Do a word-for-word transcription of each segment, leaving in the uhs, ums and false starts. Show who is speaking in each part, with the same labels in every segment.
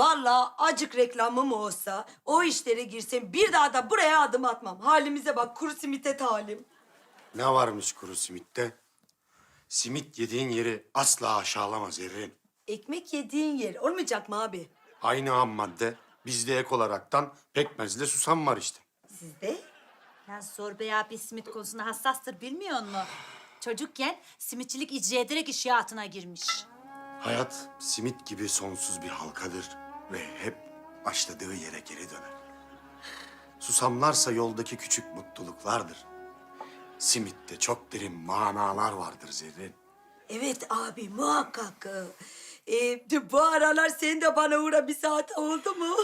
Speaker 1: Vallahi acık reklamım olsa, o işlere girsem bir daha da buraya adım atmam. Halimize bak, kuru simite talim.
Speaker 2: Ne varmış kuru simitte? Simit yediğin yeri asla aşağılamaz Zerrin.
Speaker 1: Ekmek yediğin yer olmayacak mı abi?
Speaker 2: Aynı ham madde bizde ek olaraktan pekmezle susam var işte.
Speaker 1: Sizde?
Speaker 3: Lan Zorbey abi simit konusunda hassastır bilmiyor musun? Çocukken simitçilik icra ederek iş hayatına girmiş.
Speaker 2: Hayat simit gibi sonsuz bir halkadır ve hep başladığı yere geri döner. Susamlarsa yoldaki küçük mutluluklardır. Simitte çok derin manalar vardır Zerrin.
Speaker 1: Evet abi, muhakkak. Ee, bu aralar sen de bana uğra bir saat oldu mu?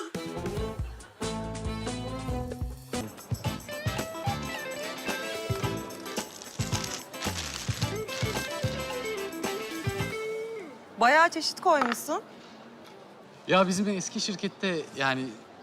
Speaker 4: Bayağı çeşit koymuşsun.
Speaker 5: Ya bizim eski şirkette yani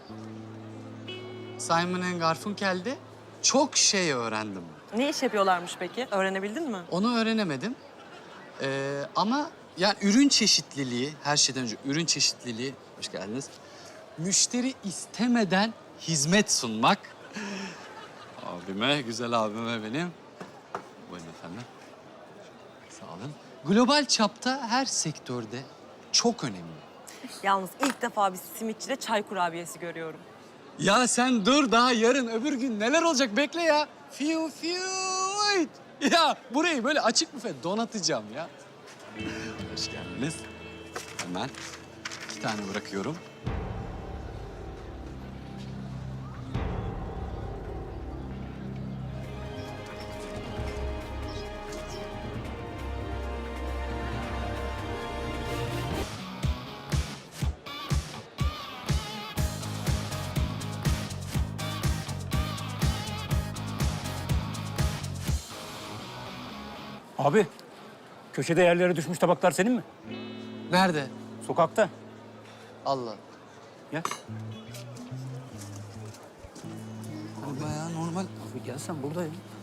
Speaker 5: Simon and Garfunkel'de çok şey öğrendim.
Speaker 4: Ne iş yapıyorlarmış peki? Öğrenebildin mi?
Speaker 5: Onu öğrenemedim. Ee, ama yani ürün çeşitliliği, her şeyden önce ürün çeşitliliği, hoş geldiniz. Müşteri istemeden hizmet sunmak. Abime, güzel abime benim. Buyurun efendim. Sağ olun. Global çapta her sektörde çok önemli.
Speaker 4: Yalnız ilk defa bir simitçide çay kurabiyesi görüyorum.
Speaker 5: Ya sen dur, daha yarın öbür gün neler olacak, bekle ya. Fiu fiu. Ya burayı böyle açık büfe donatacağım ya. Hoş geldiniz. Hemen iki tane bırakıyorum.
Speaker 6: Abi, köşede yerlere düşmüş tabaklar senin mi?
Speaker 5: Nerede?
Speaker 6: Sokakta.
Speaker 5: Allah.
Speaker 6: Gel.
Speaker 5: Bayağı normal.
Speaker 6: Abi gel sen buradayım.